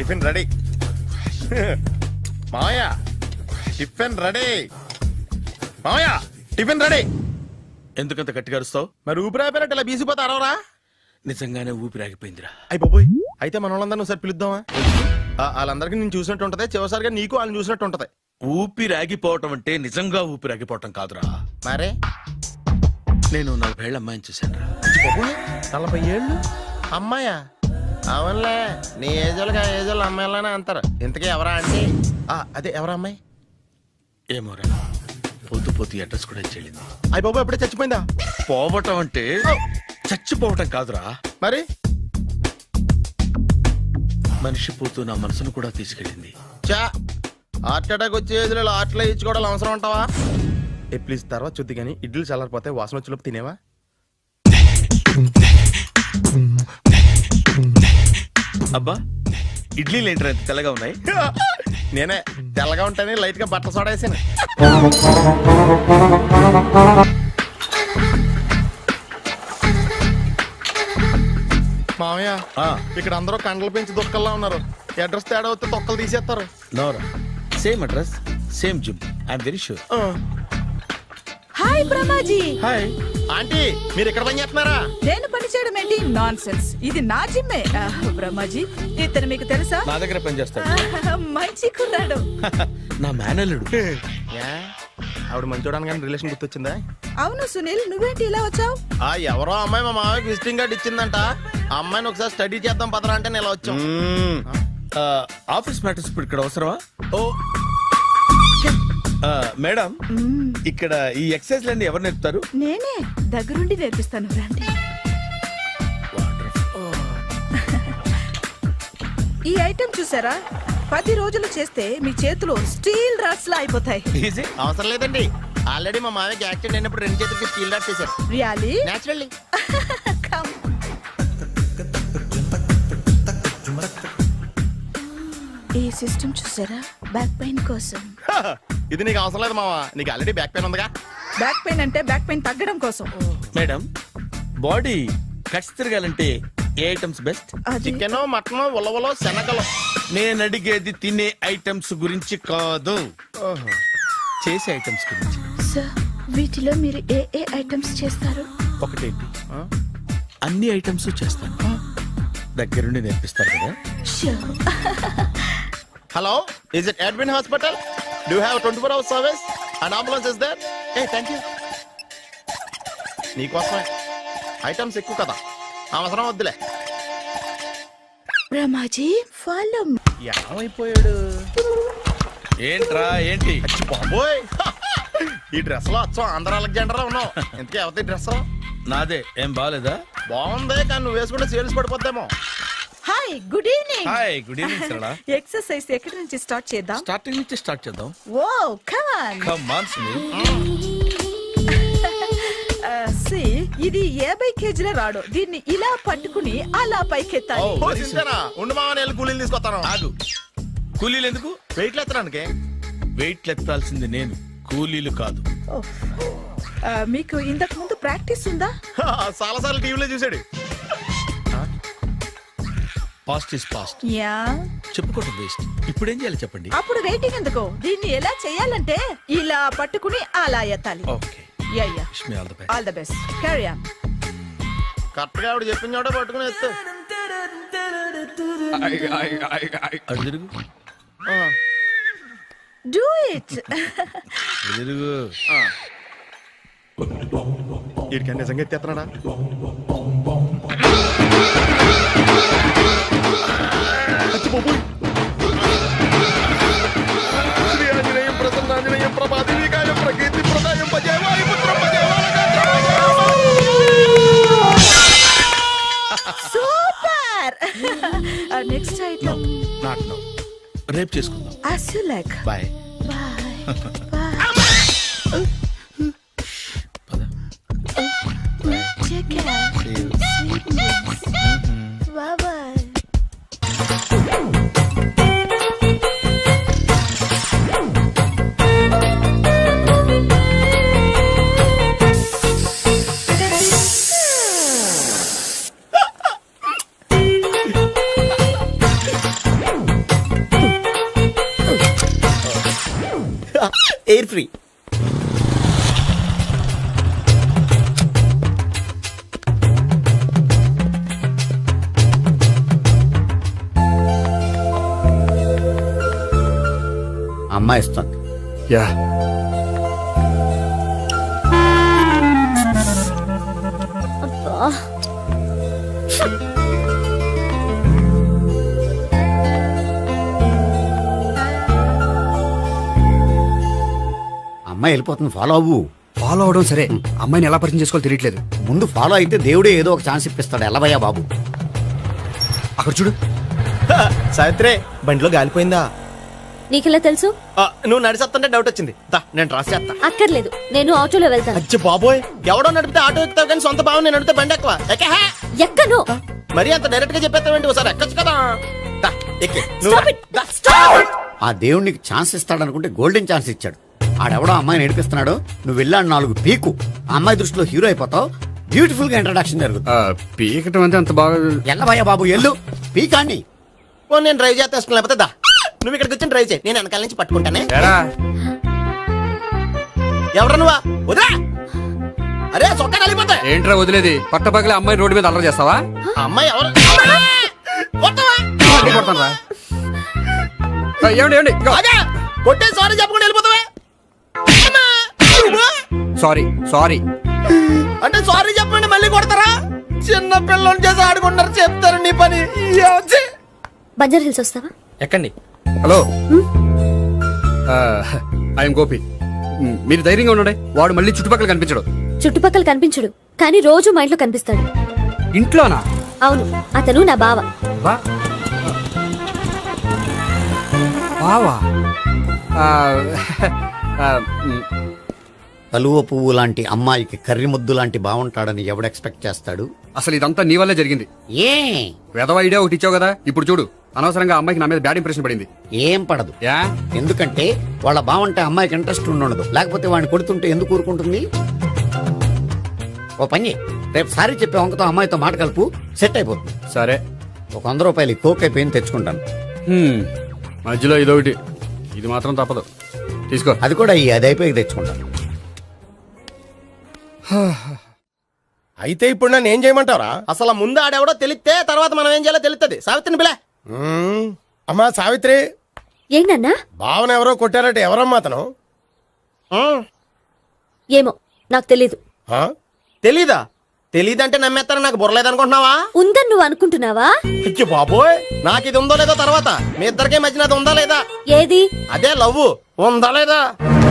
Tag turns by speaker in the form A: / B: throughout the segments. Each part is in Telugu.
A: Tiffin ready. మావయ్య టిఫిన్ రెడీ. మావయ్య టిఫిన్ రెడీ.
B: ఎందుకంత గట్టిగా అరుస్తావు?
A: మరి ఊపిరి అయిపోయినట్టు ఇలా బీసిపోతే అరవరా?
B: నిజంగానే ఊపిరాగిపోయిందిరా.
A: అయిపోయి అయితే మన వాళ్ళందరినీ ఒకసారి పిలుద్దామా? వాళ్ళందరికీ నేను చూసినట్టు ఉంటది, చివరిసారిగా నీకు వాళ్ళని చూసినట్టు ఉంటది.
B: ఊపిరాగిపోవటం అంటే నిజంగా ఊపిరాగిపోవటం కాదురా.
A: మరే
B: నేను 40 ఏళ్ల అమ్మాయిని చూశాను రా.
A: 40 ఏళ్ళు అమ్మాయా? అవునులే, నీ ఏజోళ్ళకి ఆ ఏజోళ్ళు అమ్మాయిలానే అంటారు. ఇంతకీ ఎవరా అంటే? అదే ఎవరా అమ్మాయి?
B: ఏమోరా, పొద్దు పొద్దు అడ్రస్ కూడా చెల్లింది.
A: అయ్యి బాబు ఎప్పుడే చచ్చిపోయిందా?
B: పోవటం అంటే చచ్చిపోవటం కాదురా,
A: మరి
B: మనిషి పోతూ నా మనసును కూడా తీసుకెళ్ళింది.
A: చా హార్ట్ అటాక్ వచ్చే ఏజ్లో హార్ట్లో ఇచ్చుకోవడం అవసరం ఉంటావా? ప్లీజ్ తర్వాత చూద్ది కానీ ఇడ్లీ చల్లారిపోతే వాసన వచ్చేలోపు తినేవా?
B: అబ్బా, ఇడ్లీలు ఏంటరా ఇంత తెల్లగా ఉన్నాయి?
A: నేనే తెల్లగా ఉంటానే లైట్ గా బట్టలు సోడా వేసాను. మామయ్య ఇక్కడ అందరూ కండలు పెంచి దుక్కల్లా ఉన్నారు. అడ్రస్ తేడా వస్తే తొక్కలు తీసేస్తారు.
B: నోరా, same address same gym, I'm very sure.
C: Hi Brahmaji.
B: Hi
A: aunty, మీరు ఇక్కడ పని చేస్తున్నారా?
C: నేను పని చేయడం ఏంటి? నాన్ సెన్స్, ఇది నా జిమ్మే. బ్రహ్మాజీ, ఇతను మీకు తెలుసా?
B: నా దగ్గర పని చేస్తాడు.
C: మంచి కుర్రాడు.
B: నా మేనల్లుడు.
A: ఆవిడ మంచి చూడడానికి రిలేషన్ గుర్తొచ్చిందా?
C: అవును సునీల్, నువ్వేంటి ఇలా వచ్చావు?
A: ఎవరో అమ్మాయి మా మామయ్యకి విజిటింగ్ కార్డు ఇచ్చిందంట. ఆ అమ్మాయిని ఒకసారి స్టడీ చేద్దాం పదరా అంటే నేను ఇలా వచ్చాం.
B: ఆఫీస్ మ్యాటర్స్ ఇప్పుడు ఇక్కడ అవసరమా? ఓ మేడం, ఇక్కడ ఈ ఎక్సర్సైజ్ లన్నీ ఎవరు నేర్పుతారు?
C: నేనే దగ్గరుండి నేర్పిస్తాను, రండి. ఈ ఐటెం చూసారా? 10 రోజులు చేస్తే మీ చేతులు స్టీల్ రాట్స్ లా అయిపోతాయి.
A: అవసరం లేదండి, ఆల్రెడీ మా మామయ్యకి యాక్సిడెంట్ అయినప్పుడు 2 చేతులకి స్టీల్ డాట్ చేశారు.
C: రియల్లీ?
A: నేచురల్లీ.
C: ఈ సిస్టమ్ చూసారా? బ్యాక్ పెయిన్ కోసం.
A: ఇది నీకు అవసరం లేదు మావా, నీకు ఆల్రెడీ బ్యాక్ పెయిన్ ఉందిగా.
C: బ్యాక్ పెయిన్ అంటే బ్యాక్ పెయిన్ తగ్గడం కోసం.
B: మేడం, బాడీ కట్స్ తిరగాలంటే ఏ ఐటమ్స్ బెస్ట్?
A: చికెన్, మటన్, ఉలవలో, శనగలు.
B: నేను అడిగేది తినే ఐటమ్స్ గురించి కాదు, చేసే ఐటమ్స్ గురించి.
C: సార్, వీటిలో మీరు ఏ ఏ ఐటమ్స్ చేస్తారు?
B: ఒకటేంటి, అన్ని ఐటమ్స్ చేస్తాను. దగ్గరుండి నేర్పిస్తారు కదా?
A: Hello, is it admin hospital? Do have 24 hours service and ambulance is there? Thank you. నీకోసమే ఐటమ్స్ ఎక్కువ కదా, అవసరం వద్దులే.
C: రమాజీ, ఫాలో.
A: ఏమైపోయాడు?
B: ఏంట్రా ఏంటి?
A: బాబోయ్, ఈ డ్రెస్ లో అచ్చం ఆంధ్ర అలెగ్జాండర్ ఉన్నావు. ఇంతకీ ఎవరి డ్రెస్?
B: నాదే. ఏం బాగాలేదా?
A: బాగుంది, కానీ నువ్వు వేసుకుంటే సేల్స్ పడిపోద్దేమో.
C: Hi, good evening.
B: Hi, good evening Sarala.
C: Exercise ఎక్కడి నుంచి స్టార్ట్ చేద్దాం?
B: స్టార్టింగ్ నుంచి స్టార్ట్ చేద్దాం.
C: Oh come on.
B: Come on Sunil.
C: ఇది 50 కేజీల రాడు. దీన్ని ఇలా పట్టుకుని అలా పైకెత్తాలి.
A: ఉండు మామ, నేను కూలీలు తీసుకొస్తాను.
B: ఆగు, కూలీలు ఎందుకు?
A: వెయిట్లు ఎత్తడానికి.
B: వెయిట్లు ఎత్తాల్సింది నేను, కూలీలు కాదు.
C: మీకు ఇంతకు ముందు ప్రాక్టీస్ ఉందా?
A: చాలా సార్లు టీవీలో చూసాడు.
B: Past is past.
C: యా,
B: చెప్పుకోవటం వేస్ట్. ఇప్పుడు ఏం చేయాలి చెప్పండి?
C: అప్పుడు వెయిటింగ్ ఎందుకు? దీన్ని ఎలా చేయాలంటే ఇలా పట్టుకుని అలా ఎత్తాలి.
B: Okay,
C: yeah yeah.
B: Wish me all the best.
C: All the best. Carry on.
A: Correct గా ఆవిడ చెప్పిన చోట పట్టుకుని ఎత్తు.
B: అటు తిరుగు.
C: Do it.
B: తిరుగు.
A: వీడికి నిజంగా ఎత్తేస్తున్నాడా?
C: Super. Next item
B: not no, రేపు చేసుకుందాం.
C: as you like.
B: Bye.
C: Bye. Bye.
B: పద.
C: Take care.
B: See you.
C: Sweet dreams. Bye bye.
A: Air free.
D: అమ్మాయి ఇస్తుంది.
E: యా
D: అమ్మాయి వెళ్ళిపోతుంది, ఫాలో అవ్వు.
E: ఫాలో అవడం సరే, అమ్మాయిని ఎలా పరిచయం చేసుకోవాలో తెలియట్లేదు.
D: ముందు ఫాలో అయితే దేవుడే ఏదో ఒక ఛాన్స్ ఇప్పిస్తాడు. ఎలవయ్యా బాబు.
E: అక్కడ చూడు.
A: సావిత్రి బండిలో గాలిపోయిందా?
F: నీకెలా తెలుసు?
A: నువ్వు నడిచేస్తుంటే డౌట్ వచ్చింది. దా నేను డ్రాస్ చేస్తా.
F: అక్కర్లేదు, నేను ఆటోలో వెళ్తాను.
A: అచ్చి బాబోయ్, ఎవడో నడిపితే ఆటో ఎక్కుతావు కానీ సొంత భావం నేను నడిపితే బండి ఎక్కువ ఎక్కహే.
F: ఎక్కను.
A: మరి అంత డైరెక్ట్ గా చెప్పేస్తావేంటి? ఒకసారి ఎక్కొచ్చు కదా. దా, ఎక్కే. నువ్వు
F: Stop
A: రా.
F: it.
A: దా.
D: ఆ దేవుడు నీకు ఛాన్స్ ఇస్తాడనుకుంటే గోల్డెన్ ఛాన్స్ ఇచ్చాడు. ఆడెవడో అమ్మాయిని నడిపిస్తున్నాడు, నువ్వు వెళ్ళాడు 4 పీకు. ఆ అమ్మాయి దృష్టిలో హీరో అయిపోతావు. బ్యూటిఫుల్ గా ఇంట్రడక్షన్ జరుగుతుంది.
E: పీకటం అంటే అంత బాగా.
D: ఎల్లవయ్యా బాబు, ఎల్లు పీకాన్ని.
A: ఓ నేను డ్రైవ్ చేస్తాను, లేకపోతే దా నువ్వు ఇక్కడికి వచ్చి డ్రైవ్ చేయి, నేను వెనకాల నుంచి పట్టుకుంటానే.
E: ఎరా
A: ఎవరు నువ్వా? వదిలా. అరే చొక్కా కలిగిపోతా.
E: ఏంట్రా వదిలేది? పట్టపగలే అమ్మాయి రోడ్డు మీద అల్లరి చేస్తావా?
A: ఆ అమ్మాయి ఎవరు? కొట్టవా?
E: కొడతాను రా. ఏమండి ఏమండి
A: అదే కొట్టే సారీ చెప్పకుండా వెళ్ళిపోతావా?
E: Sorry sorry.
A: అంటే సారీ చెప్పండి మళ్ళీ కొడతారా? చిన్న పిల్లలు చేసి ఆడుకుంటారు, చెప్తారు నీ పని.
F: బంజారా హిల్స్ వస్తావా?
A: ఎక్కండి.
E: Hello, I'm Gopi. మీరు ధైర్యంగా ఉండండి. వాడు మళ్ళీ చుట్టుపక్కల కనిపించడు.
F: చుట్టుపక్కల కనిపించడు, కానీ రోజు మా ఇంట్లో కనిపిస్తాడు.
E: ఇంట్లోనా?
F: అవును, అతను నా బావ.
E: బా బావా? ఆ, ఆ,
D: కలువ పువ్వు లాంటి అమ్మాయికి కర్రి ముద్దు లాంటి బాగుంటాడని ఎవడు ఎక్స్పెక్ట్ చేస్తాడు?
E: అసలు ఇదంతా నీ వల్లే జరిగింది.
D: ఏ
E: వెధవ ఐడియా ఒకటి ఇచ్చావు కదా, ఇప్పుడు చూడు. అనవసరంగా అమ్మాయికి నా మీద బ్యాడ్ ఇంప్రెషన్ పడింది.
D: ఏం పడదు.
E: యా,
D: ఎందుకంటే వాళ్ళ బాగుంటే అమ్మాయికి ఇంట్రెస్ట్ ఉండదు. లేకపోతే వాడిని కొడుతుంటే ఎందుకు ఊరుకుంటుంది? ఓ పని చెయ్. రేపు సారీ చెప్పే వంకతో అమ్మాయితో మాట కలుపు, సెట్ అయిపోతుంది.
E: సరే.
D: ఒక 100 రూపాయలు కోక్ అయిపోయింది, తెచ్చుకుంటాను.
E: మధ్యలో ఇదొకటి, ఇది మాత్రం తప్పదు. తీసుకో.
D: అది కూడా అది అయిపోయి తెచ్చుకుంటాను.
A: అయితే ఇప్పుడు నన్ను ఏం చేయమంటావరా? అసలు ముందు ఆడెవడో తెలిస్తే తర్వాత మనం ఏం చేయాలో తెలుస్తుంది. సావిత్రిని బిలే. అమ్మా సావిత్రి.
F: ఏంటన్నా?
A: భావన ఎవరో కొట్టారట. ఎవరమ్మా అతను?
F: ఏమో నాకు తెలీదు.
A: తెలీదా? తెలీదంటే నమ్మేస్తారని నాకు బుర్రలేదనుకుంటున్నావా?
F: ఉందని నువ్వు అనుకుంటున్నావా?
A: అయ్యో బాబోయ్, నాకు ఇది ఉందో లేదో తర్వాత. మీ ఇద్దరికే మధ్యన అది ఉందా లేదా?
F: ఏది?
A: అదే లవ్ ఉందా లేదా?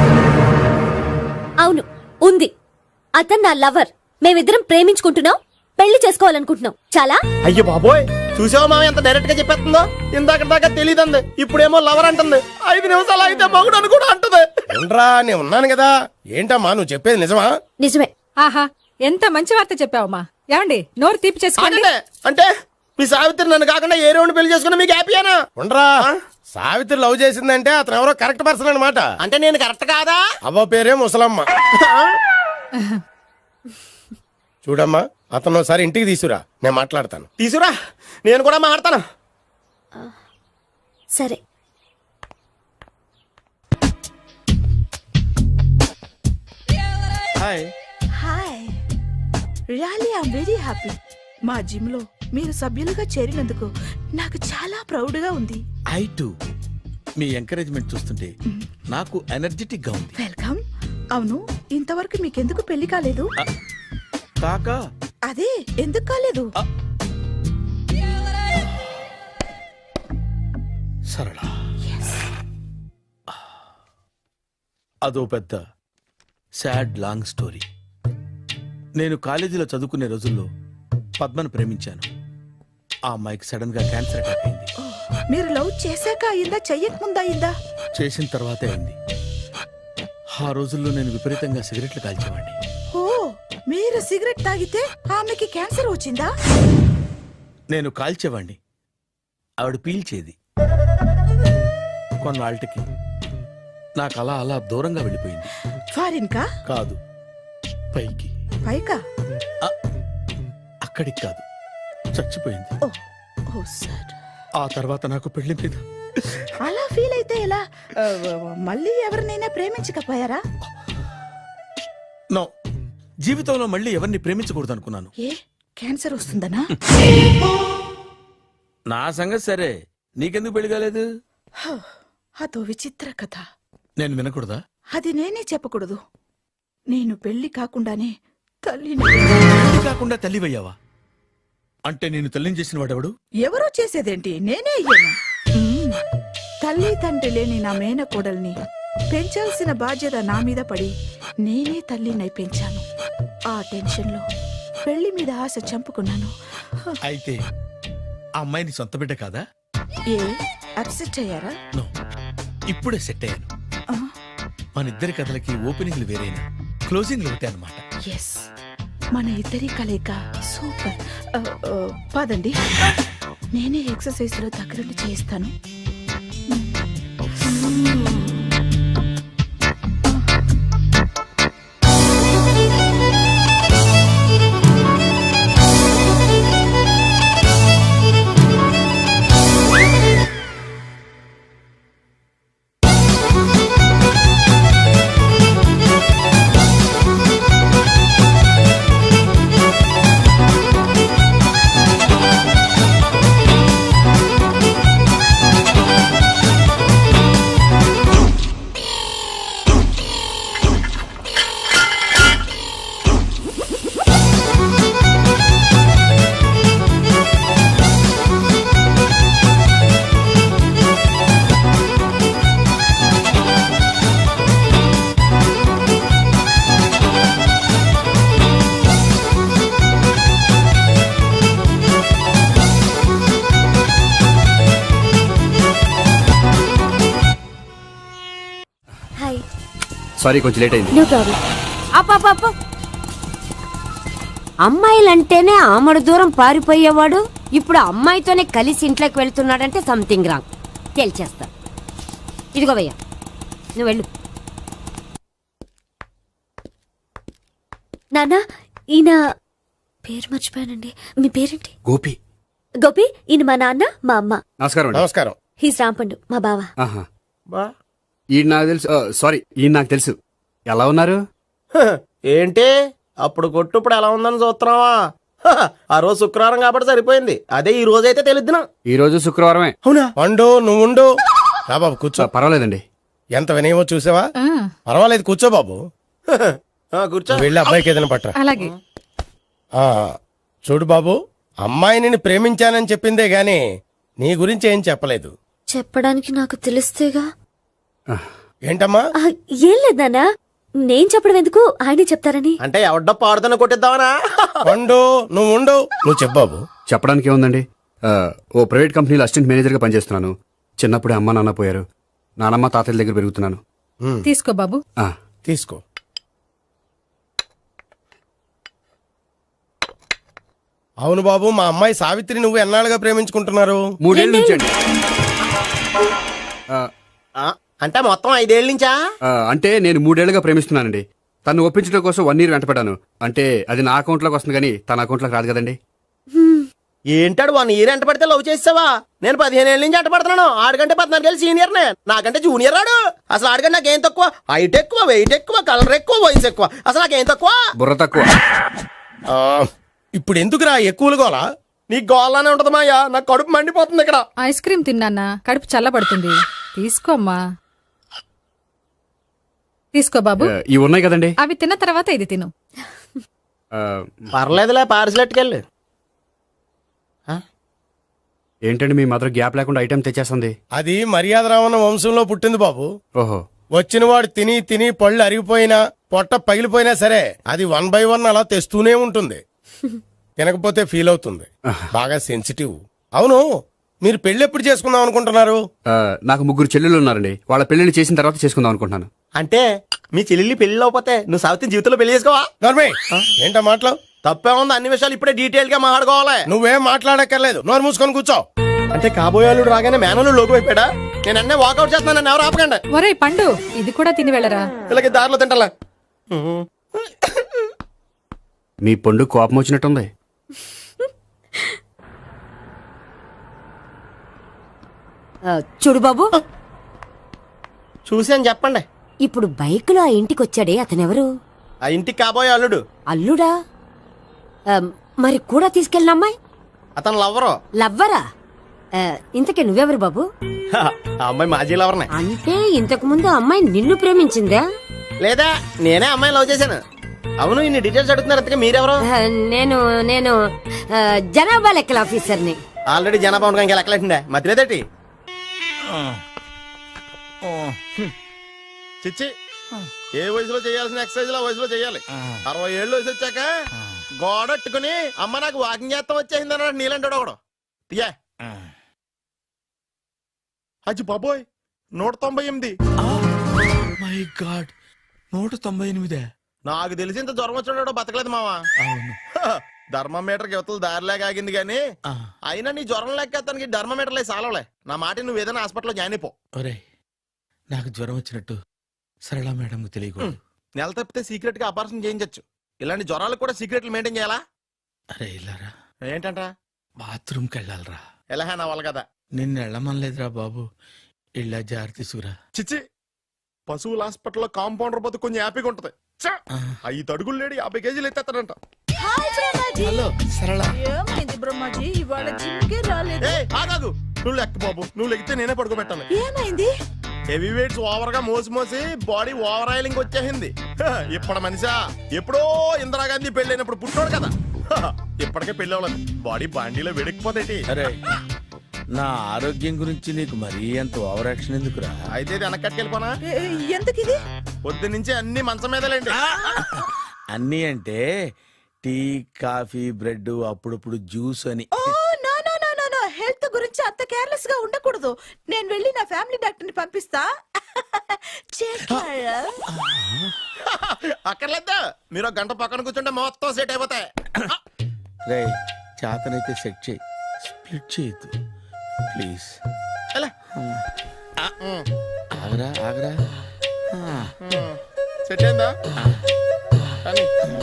F: అవును, ఉంది. అతను నా లవర్. మేమిద్దరం ప్రేమించుకుంటున్నాం, పెళ్లి చేసుకోవాలనుకుంటున్నాం. చాలా.
A: అయ్యో బాబోయ్, చూసావా మామ ఎంత డైరెక్ట్ గా చెప్పేస్తుందో? ఇందాక దాకా తెలియదండి, ఇప్పుడేమో లవర్ అంటుంది. 5 నిమిషాలు అయితే మగుడు అని కూడా అంటుంది. ఏంట్రా, నేను ఉన్నాను కదా. ఏంటమ్మా నువ్వు చెప్పేది నిజమా?
F: నిజమే.
C: ఆహా, ఎంత మంచి వార్త చెప్పావమ్మా. ఏమండి, నోరు తీపి చేసుకోండి.
A: అంటే మీ సావిత్రి నన్ను కాకుండా ఏ రౌండ్ పెళ్లి చేసుకున్నా మీకు హ్యాపీయేనా? ఉండరా, సావిత్రి లవ్ చేసిందంటే అతను ఎవరో కరెక్ట్ పర్సన్ అనమాట. అంటే నేను కరెక్ట్ కాదా? అవ్వ పేరే ముసలమ్మ. చూడమ్మా, అతను ఒకసారి ఇంటికి తీసుకురా, నేను మాట్లాడతాను. తీసుకురా, నేను కూడా మాట్లాడతాను.
F: సరే.
A: Hi.
C: Hi, really I'm very happy. మా జిమ్ లో మీరు సభ్యులుగా చేరినందుకు నాకు చాలా ప్రౌడ్ గా ఉంది.
B: ఐ టు మీ ఎంకరేజ్మెంట్ చూస్తుంటే నాకు ఎనర్జెటిక్ గా ఉంది.
C: వెల్కమ్. అవును, ఇంతవరకు మీకెందుకు పెళ్లి కాలేదు?
B: కాకా
C: అదే ఎందుకు కాలేదు?
B: సరళ, అదో పెద్ద సాడ్ లాంగ్ స్టోరీ. నేను కాలేజీలో చదువుకునే రోజుల్లో పద్మను ప్రేమించాను. ఆ అమ్మాయికి సడన్ గా క్యాన్సర్ అటాక్ అయింది.
C: మీరు లవ్ చేశాక అయిందా, చెయ్యక ముందా అయిందా?
B: చేసిన తర్వాతే అయింది. ఆ రోజుల్లో నేను విపరీతంగా సిగరెట్లు కాల్చేవాడిని.
C: ఓ, మీరు సిగరెట్ తాగితే ఆమెకి క్యాన్సర్ వచ్చిందా?
B: నేను కాల్చేవాణ్ణి, ఆవిడ పీల్చేది. కొన్నాళ్ళకి నాకు అలా అలా దూరంగా వెళ్ళిపోయింది.
C: ఫారిన్ కా?
B: కాదు, పైకి.
C: పైకా?
B: అక్కడికి కాదు, చచ్చిపోయింది.
C: ఓ, ఓ సార్.
B: ఆ తర్వాత నాకు పెళ్లి మీద
C: అలా ఫీల్ అయితే ఎలా? మళ్ళీ ఎవరినైనా ప్రేమించకపోయారా?
B: నో, జీవితంలో మళ్ళీ ఎవరిని ప్రేమించకూడదు అనుకున్నాను.
C: ఏ క్యాన్సర్ వస్తుందనా?
B: నా సంగతి సరే, నీకెందుకు పెళ్లి కాలేదు?
C: అదో విచిత్ర కథ.
B: నేను వినకూడదా?
C: అది నేనే చెప్పకూడదు. నేను పెళ్లి కాకుండానే తల్లిని.
B: పెళ్లి కాకుండా తల్లివయ్యావా? అంటే నేను తల్లిని చేసిన వాడెవడు?
C: ఎవరో చేసేదేంటి, నేనే అయ్యాను. తల్లి తండ్రి లేని నా మేనకోడల్ని పెంచాల్సిన బాధ్యత నా మీద పడి నేనే తల్లినై పెంచాను. ఆ టెన్షన్లో పెళ్లి మీద ఆశ చంపుకున్నాను.
B: అయితే ఆ అమ్మాయిని సొంత బిడ్డ కాదా?
C: ఏ అప్సెట్ అయ్యారా?
B: నో, ఇప్పుడే సెట్ అయ్యాను.
C: ఆ,
B: మన ఇద్దరి కథలకి ఓపెనింగ్లు వేరేనా, క్లోజింగ్లు ఒకటే అనమాట.
C: ఎస్, మన ఇద్దరి కలయిక సూపర్. పదండి, నేనే ఎక్సర్సైజ్ లో దగ్గరుండి చేయిస్తాను.
F: హాయ్.
E: సారీ, కొంచెం లేట్ అయింది.
F: No problem.
G: అప్ప అమ్మాయిలంటేనే ఆమడు దూరం పారిపోయేవాడు ఇప్పుడు అమ్మాయితోనే కలిసి ఇంట్లోకి వెళ్తున్నాడంటే సంథింగ్ రాంగ్. తేల్చేస్తా. ఇదిగో భయ్యా, నువ్వు వెళ్ళు.
F: నాన్న, ఈయన పేరు మర్చిపోయానండి. మీ పేరేంటి?
E: గోపి.
F: గోపి, ఈయన మా నాన్న, మా అమ్మ.
E: నమస్కారం అండి.
A: నమస్కారం.
F: హీస్ రాంపండు, మా బావ.
E: ఆహా.
A: బా
E: ఈయన నాకు తెలుసు. సారీ, ఈయన నాకు తెలుసు. ఎలా ఉన్నారు?
A: హ, ఏంటి అప్పుడు కొట్టు ఇప్పుడు ఎలా ఉందని చూస్తున్నావా? హ, ఆ రోజు శుక్రవారం కాబట్టి సరిపోయింది. అదే ఈ రోజు అయితే తెలిద్దునా.
E: ఈ రోజు శుక్రవారమే.
A: అవునా? వండు, నువ్వు ఉండు. రా బాబు కూర్చో.
E: పర్వాలేదండి.
A: ఎంత వినయమో చూసావా? పర్వాలేదు, కూర్చో బాబు. హ, కూర్చో. నువ్వు వెళ్ళి అబ్బాయికి ఏదైనా పట్టరా.
G: అలాగే.
A: ఆ, చూడు బాబు, అమ్మాయిని నేను ప్రేమించానని చెప్పిందే గాని నీ గురించి ఏం చెప్పలేదు.
F: చెప్పడానికి నాకు తెలిస్తేగా.
A: ఏంటమ్మా?
F: ఆ, ఏం లేదు నాన్న, నేను చెప్పడం ఎందుకు, ఆయనే చెప్తారని.
A: అంటే ఎవడ్డో పాడుతున్న కొట్టిద్దామనా? వండు, నువ్వు ఉండు. నువ్వు చెప్పు బాబు.
E: చెప్పడానికి ఏముందండి, ఓ ప్రైవేట్ కంపెనీలో అసిస్టెంట్ మేనేజర్గా పనిచేస్తున్నాను. చిన్నప్పుడే అమ్మ నాన్న పోయారు. నానమ్మ తాతయ్య దగ్గర పెరుగుతున్నాను.
G: తీసుకో బాబు.
E: ఆ,
A: తీసుకో. అవును బాబు, మా అమ్మాయి సావిత్రి నువ్వు ఎన్నాళ్ళుగా ప్రేమించుకుంటున్నారు?
E: 3 ఏళ్ళ నుంచి అండి.
A: అంటే మొత్తం 5 ఏళ్ళ నుంచా?
E: అంటే నేను 3 ఏళ్ళుగా ప్రేమిస్తున్నానండి. తను ఒప్పించడం కోసం 1 year వెంటపడ్డాను. అంటే అది నా అకౌంట్లోకి వస్తుంది కానీ తన అకౌంట్లోకి రాదు కదండి.
A: ఏంటాడు 1 year ఎంట పడితే లవ్ చేసావా? నేను 15 ఏళ్ళ నుంచి ఎంట పడుతున్నాను. ఆడికంటే 14 ఏళ్ళు సీనియర్ నే, నాకంటే జూనియర్ ఆడు. అసలు ఆడికంటే నాకేం తక్కువ? హైట్ ఎక్కువ, వెయిట్ ఎక్కువ, కలర్ ఎక్కువ, వయసు ఎక్కువ. అసలు నాకేం తక్కువ?
E: బుర్ర తక్కువ.
A: ఇప్పుడు ఎందుకురా ఎక్కువలు గోలా? నీకు గోలానే ఉంటది మాయా. నాకు కడుపు మండిపోతుంది ఇక్కడ.
G: ఐస్ క్రీమ్ తిన్నానా, కడుపు చల్లబడుతుంది. తీసుకోమ్మా. తీసుకో బాబు.
E: ఇవి ఉన్నాయి కదండి.
G: అవి తిన్న తర్వాత ఇది తిను.
A: పర్లేదులే, పార్సిలెట్కెళ్ళి.
E: ఏంటండి మీ మదర్ గ్యాప్ లేకుండా ఐటెం తెచ్చేస్తుంది?
A: అది మర్యాద రావణ వంశంలో పుట్టింది బాబు.
E: ఓహో.
A: వచ్చినవాడు తిని తిని పళ్ళు అరిగిపోయినా పొట్ట పగిలిపోయినా సరే అది 1 by 1 అలా తెస్తూనే ఉంటుంది. తినకపోతే ఫీల్ అవుతుంది. బాగా సెన్సిటివ్. అవును, మీరు పెళ్లి ఎప్పుడు చేసుకుందాం అనుకుంటున్నారు?
E: నాకు 3 చెల్లెళ్ళు ఉన్నారండి. వాళ్ళ పెళ్లిని చేసిన తర్వాత చేసుకుందాం అనుకుంటున్నాను.
A: అంటే మీ చెల్లెల్ని పెళ్లి అవ్వకపోతే నువ్వు సావిత్రి జీవితంలో పెళ్లి చేసుకోవా? ఏంటో మాటలు? తప్పే ఉంది, అన్ని విషయాలు ఇప్పుడే డీటెయిల్ గా మాట్లాడుకోవాలి. నువ్వేం మాట్లాడక్కర్లేదు, నోరు మూసుకొని కూర్చో. అంటే కాబోయేవాళ్ళు రాగానే మేనలు లోకి అయిపోయాడా? నేను అన్నీ వాకౌట్ చేస్తున్నాను, నన్ను ఎవరు ఆపకండి.
G: ఒరే పండు, ఇది కూడా తిని వెళ్ళరా.
A: ఇలాగే దారిలో తింటలా.
E: మీ పండు కోపం వచ్చినట్టుంది.
G: చూడు బాబు,
A: చూసాను చెప్పండి.
G: ఇప్పుడు బైక్లో ఆ ఇంటికి వచ్చాడే అతనెవరు?
A: ఆ ఇంటికి కాబోయే అల్లుడు.
G: అల్లుడా? ఆ, మరి కూడా తీసుకెళ్ళిన అమ్మాయి
A: అతను లవ్వరు.
G: లవ్వరా? ఇంతకీ నువ్వెవరు బాబు?
A: ఆ అమ్మాయి మాజీ లవర్నే.
G: అంటే ఇంతకు ముందు అమ్మాయి నిన్ను ప్రేమించిందా?
A: లేదా నేనే అమ్మాయిని లవ్ చేశాను. అవును, ఇన్ని డీటెయిల్స్ అడుగుతున్నారు. అంతగా మీరెవరు?
G: నేను నేను జనాభా లెక్కల ఆఫీసర్ని.
A: ఆల్రెడీ జనాభా ఉండగా ఇంకా లెక్కలేటండే మధ్యలేదటి. చిచ్చి, ఏ వయసులో చేయాల్సిన ఎక్సర్సైజ్ ఆ వయసులో చేయాలి. 60 ఏళ్ళు వయసు వచ్చాక గోడట్టుకుని అమ్మ నాకు వాకింగ్ చేస్తాం వచ్చేసింది అన్నాడు నీలంటాడు ఒకడు. తీయా అచ్చి బాబోయ్, 198.
B: My god, 198.
A: నాకు తెలిసి ఇంత జ్వరం వచ్చాడో బతకలేదు మావా.
B: అవును.
A: ధర్మమీటర్ యువతలు దారిలేక ఆగింది గానీ
B: ఆ,
A: అయినా నీ జ్వరం లేక అతనికి ధర్మమీటర్లే సాలవలే. నా మాట నువ్వు ఏదైనా హాస్పిటల్లో జాయిన్ అయిపో.
B: ఒరేయ్, నాకు జ్వరం వచ్చినట్టు సరళ మేడంకు తెలియకూడదు.
A: నెల తప్పితే సీక్రెట్ గా ఆపరేషన్ చేయించచ్చు. ఇలాంటి జ్వరాలకు కూడా సీక్రెట్లు మెయింటైన్ చేయాలా?
B: అరే ఇల్లారా,
A: ఏంటంట?
B: బాత్రూమ్కి వెళ్ళాలరా.
A: ఎలా నా వాళ్ళ కదా.
B: నిన్ను వెళ్ళమనలేదురా బాబు, ఇళ్ళ జారి తీసుకురా.
A: చిచ్చి, పశువుల హాస్పిటల్లో కాంపౌండర్ బతు కొంచెం హ్యాపీగా ఉంటది. చ్చ! 5 అడుగులు లేడి 50 కేజీలు ఎత్తేస్తాడంట.
C: హాయ్ బ్రహ్మాజీ.
B: హలో సరళ.
C: ఏమైంది బ్రహ్మాజీ? ఇవాళ జిమ్కే రాలేదు.
A: ఏ ఆగాగు, నువ్వు లెక్క బాబు. నువ్వు లెక్కితే నేనే పడుకోబెట్టాలి.
C: ఏమైంది?
A: హెవీ వెయిట్స్ ఓవర్ గా మోసి మోసి బాడీ ఓవర్ ఆయిలింగ్ వచ్చేసింది. ఇప్పుడు మనిషా ఎప్పుడో ఇందిరాగాంధీ పెళ్ళైనప్పుడు పుట్టాడు కదా. ఇప్పటికే పెళ్ళి అవ్వలేదు. బాడీ బాండీలో వెడికిపోతేటి.
B: అరే, నా ఆరోగ్యం గురించి నీకు మరీ అంత ఓవర్ యాక్షన్ ఎందుకురా?
A: అయితే ఇది వెనకట్టుకెళ్ళిపోనా?
C: ఎందుకిది?
A: పొద్దు నుంచి అన్ని మంచం మీదలేండి.
B: అన్నీ అంటే టీ, కాఫీ, బ్రెడ్, అప్పుడప్పుడు జ్యూస్ అని.
C: Oh no no no no no, health గురించి అంత కేర్లెస్ గా ఉండకూడదు. నేను వెళ్ళి నా ఫ్యామిలీ డాక్టర్ ని పంపిస్తా. చేస్తారా?
A: అక్కర్లేదా, మీరు ఒక గంట పక్కన కూర్చుంటే మొత్తం సెట్ అయిపోతాయి.
B: రే, చేతనైతే సెట్ చేయి, స్ప్లిట్ చేయొద్దు ప్లీజ్.
A: ఎలా?
B: ఆగరా ఆగరా.
A: సెట్ అయిందా? కానీ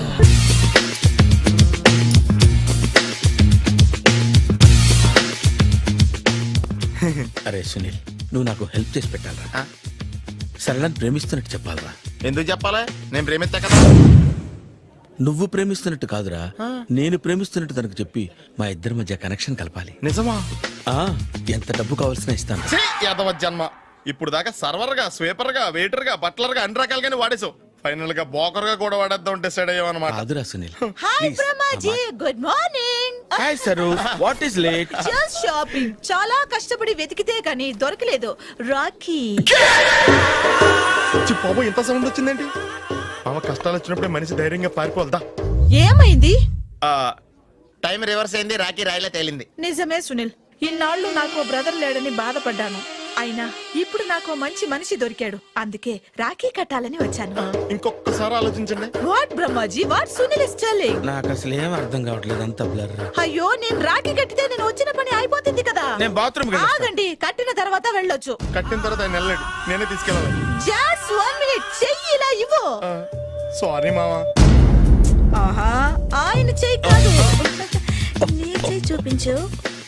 B: అరే సునీల్, నువ్వు నాకు హెల్ప్ చేసి పెట్టాలరా. సరళని ప్రేమిస్తున్నట్టు చెప్పాలరా.
A: ఎందుకు చెప్పాలి? నేను ప్రేమిస్తా కదా.
B: నువ్వు ప్రేమిస్తున్నట్టు కాదురా, నేను ప్రేమిస్తున్నట్టు తనకు చెప్పి మా ఇద్దరి మధ్య కనెక్షన్ కలపాలి.
A: నిజమా?
B: ఆ, ఎంత డబ్బు కావాల్సిన ఇస్తాను.
A: ఛీ, యాదవ జన్మ. ఇప్పుడు దాకా సర్వర్ గా, స్వీపర్ గా, వెయిటర్ గా, బట్లర్ గా అన్ని రకాలుగానే వాడేసావు. ఫైనల్ గా బోకర్ గా కూడా వాడేద్దాం డిసైడ్ అయ్యామన్నమాట.
B: కాదురా Sunil.
C: Hi Brahmaji, good morning.
B: Hi Saru, what is late?
C: Just shopping. చాలా కష్టపడి వెతికితే కానీ దొరకలేదు. రాఖీ.
A: బాబు ఇంత సౌండ్ వచ్చిందేంటి? మామ కష్టాలు వచ్చినప్పుడే మనిషి ధైర్యంగా పారిపోల్దా.
C: ఏమైంది?
A: టైం రివర్స్ అయింది. రాఖీ రాయిలా తేలింది.
C: నిజమే సునీల్, ఇన్నాళ్ళు నాకు బ్రదర్ లేడని బాధపడ్డాను. అయినా ఇప్పుడు నాకు మంచి మనిషి దొరికాడు. అందుకే రాఖీ కట్టాలని వచ్చాను.
A: ఇంకొకసారి ఆలోచించండి.
C: What Brahmaji, what Sunil is telling?
B: నాకు అసలు ఏం అర్థం కావట్లేదు, అంత బ్లర్.
C: అయ్యో, నేను రాఖీ కట్టితే నేను వచ్చిన పని అయిపోతుంది కదా.
B: నేను బాత్రూమ్
C: ఆగండి, కట్టిన తర్వాత వెళ్ళొచ్చు.
A: కట్టిన తర్వాత ఆయన వెళ్ళాడు, నేనే తీసుకెళ్ళాలి.
C: జస్ట్ 1 మినిట్, చెయ్యి ఇలా ఇవ్వు.
A: సారీ మామా.
C: ఆహా, ఆయన చెయ్యి కాదు, నీ చెయ్యి చూపించు.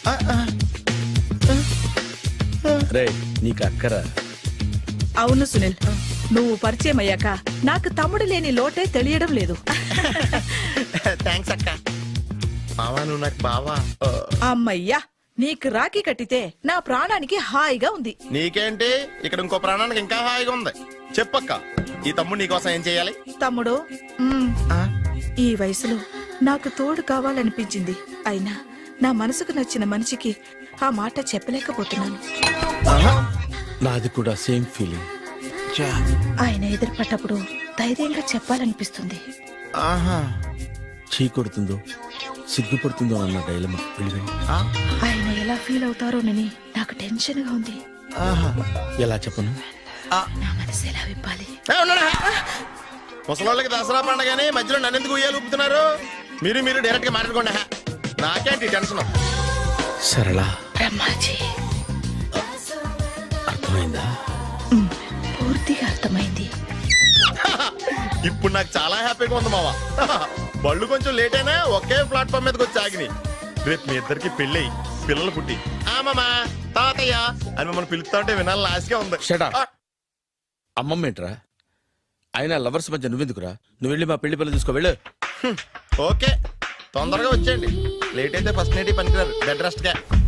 B: రే, నీకు అక్కరా?
C: అవును సునీల్, నువ్వు పరిచయం అయ్యాక నాకు తమ్ముడు లేని లోటే తెలియడం లేదు.
A: థ్యాంక్స్ అక్క. మామా నువ్వు నాకు బావా.
C: అమ్మయ్యా, నీకు రాఖీ కట్టితే నా ప్రాణానికి హాయిగా ఉంది.
A: నీకేంటి, ఇక్కడ ఇంకో ప్రాణానికి ఇంకా హాయిగా ఉంది. చెప్పక్క, ఈ తమ్ముడు నీకోసం ఏం చెయ్యాలి?
C: తమ్ముడు, ఈ వయసులో నాకు తోడు కావాలనిపించింది. అయినా నా మనసుకు నచ్చిన మనిషికి ఆ మాట చెప్పలేకపోతున్నాను.
B: నాది కూడా సేమ్ ఫీలింగ్.
C: ఆయన ఎదురుపడ్డప్పుడు ధైర్యంగా చెప్పాలనిపిస్తుంది.
B: చీ కొడుతుందో సిగ్గుపడుతుందో అన్న డైలమా.
C: ఆయన ఎలా ఫీల్ అవుతారోనని నాకు టెన్షన్ గా ఉంది.
B: ఎలా చెప్పను?
C: నా మనసు ఎలా విప్పాలి?
A: ముసలోళ్ళకి దసరా పండగని మధ్యలో నన్ను ఎందుకు ఉయ్యాలు ఊపుతున్నారు? మీరు డైరెక్ట్ గా మాట్లాడుకోండి. నాకేంటి టెన్షన్?
B: సరళ,
C: బ్రహ్మాజీ,
B: అర్థమైందా?
C: పూర్తిగా అర్థమైంది.
A: ఇప్పుడు నాకు చాలా హ్యాపీగా ఉంది మావా. బళ్ళు కొంచెం లేట్ అయినా ఒకే ప్లాట్ఫామ్ మీదకి వచ్చి ఆగినాయి. రేపు మీ ఇద్దరికి పెళ్ళి పిల్లలు పుట్టి మామా తాతయ్య అని మమ్మల్ని పిలుస్తా ఉంటే వినాలని ఆశగా ఉంది.
B: Shut up. అమ్మమ్మ ఏంట్రా? అయినా లవర్స్ మధ్య నువ్వెందుకురా? నువ్వు వెళ్ళి మా పెళ్లి పిల్లలు తీసుకో వెళ్ళు.
A: ఓకే, తొందరగా వచ్చేయండి. లేట్ అయితే ఫస్ట్ నైట్ పనికిరారు, బెడ్ రెస్ట్ గా.